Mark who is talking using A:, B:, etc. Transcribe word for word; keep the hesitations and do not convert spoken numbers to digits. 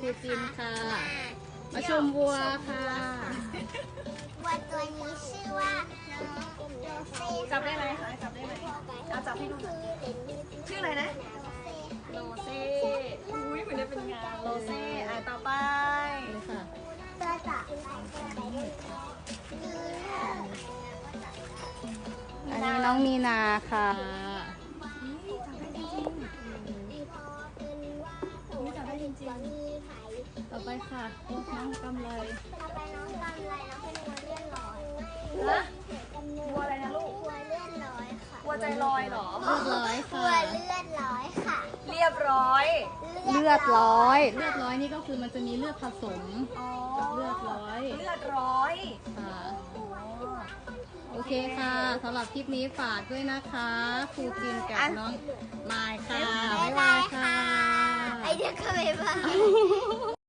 A: จินค่ะมาชมวัวค่ะ
B: วัวตัวนี้ชื่อว่าน้องโรเซ่
C: จับได้ไหมคะจับได้ไหมเอาจับให้ดูหน่อยชื่ออะไรนะโรเซ่อุ้ยเหมือนได้เป็นงานโรเซ่อ่ะต่อไป
A: นี่ค่ะ
B: ตัวต่อไปตัวไหนดี
A: อันนี้น้องมีนาค่ะ
C: จับได้จริง
A: ต่อไปค่ะน้องกำไร
B: ต่อไปน้องกำไรน้องเป็นวัวเลื่อนลอย
C: ๆนะวัวอะไรนะลูก
B: วัวเลื่อนลอยค่ะ
C: วัวใจลอยเหรอ
A: เลือดร้อย
B: วั
A: ค่ะ
B: วเลื่อนลอยค่ะ
C: เรียบร้อย
A: เลือดร้อย เลือดร้อยนี่ก็คือมันจะมีเลือดผสม
C: อ๋อ
A: กับเลือดร้อย
C: เลือดร้อย
A: ค่ะ
C: อ๋อ
A: โอเคค่ะสำหรับคลิปนี้ฝากด้วยนะคะครูจินกับน้องมายค่ะ บ๊ายบายค่ะ
B: ไอเดียก็บ๊ายบาย